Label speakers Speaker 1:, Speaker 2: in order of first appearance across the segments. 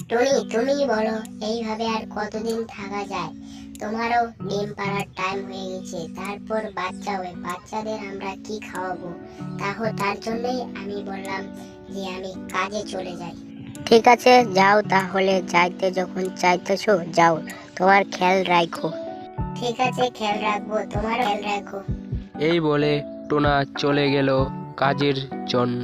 Speaker 1: Tony, তুমি বলো এইভাবে আর কতদিন থাকা যায়? তোমারও ডিম পাড়ার টাইম হয়ে গেছে, তারপর বাচ্চা হবে, বাচ্চাদের আমরা কি খাওয়াবো? তার জন্যই আমি বললাম যে আমি কাজে চলে যাই। ঠিক আছে, যাও তাহলে, যাইতে যখন চাইতেছো যাও, তোমার খেয়াল রাখো। ঠিক আছে, খেয়াল রাখবো, তোমারও খেয়াল রাখো।
Speaker 2: এই বলে টোনা চলে গেল কাজের জন্য।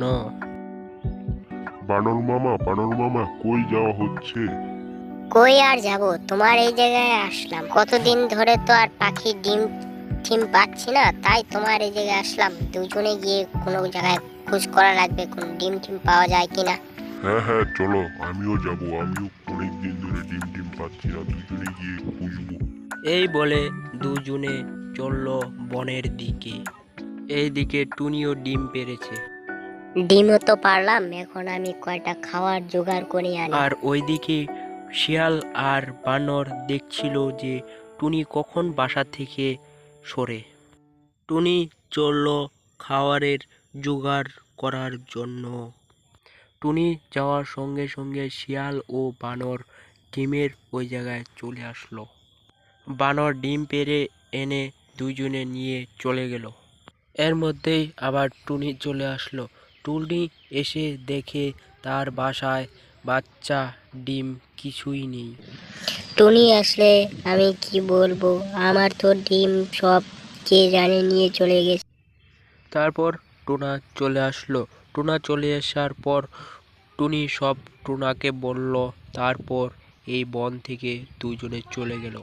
Speaker 3: বানর মামা কই যাওয়া হচ্ছে?
Speaker 1: কই আর যাব, তোমার এই জায়গায় আসলাম। কতদিন ধরে তো আর পাখির ডিম টিম পাচ্ছি না, তাই তোমার এই জায়গায় আসলাম। দুজনে গিয়ে কোনো জায়গায় খোঁজ করা লাগবে, কোন ডিম টিম পাওয়া যায় কিনা।
Speaker 3: হ্যাঁ হ্যাঁ চলো, আমিও যাব, আমিও অনেকদিন ধরে ডিম পাচ্ছি না, দুজনে গিয়ে খুঁজবো।
Speaker 2: এই বলে দুজনে চলল বনের দিকে। এইদিকে টুনিও ডিম পেড়েছে,
Speaker 1: ডিমও তো পারলাম, এখন আমি কয়টা খাওয়ার জোগাড় করে আনি।
Speaker 2: আর ওইদিকে শিয়াল আর বানর দেখছিল যে টুনি কখন বাসা থেকে সরে। টুনি চলল খাবারের জোগাড় করার জন্য। টুনি যাওয়ার সঙ্গে সঙ্গে শিয়াল ও বানর ডিমের ওই জায়গায় চলে আসলো। বানর ডিম পেড়ে এনে দুইজনে নিয়ে চলে গেল। এর মধ্যেই আবার টুনি চলে আসলো। টুনি এসে দেখে তার বাসায় বাচ্চা ডিম কিছুই নেই।
Speaker 1: টুনি আসলে আমি কি বলবো, আমার তো ডিম সব কে জানে নিয়ে চলে গেছে।
Speaker 2: তারপর টুনা চলে আসলো। টুনা চলে আসার পর টুনি সব টুনাকে বলল। তারপর এই বন থেকে দুজনে চলে গেল।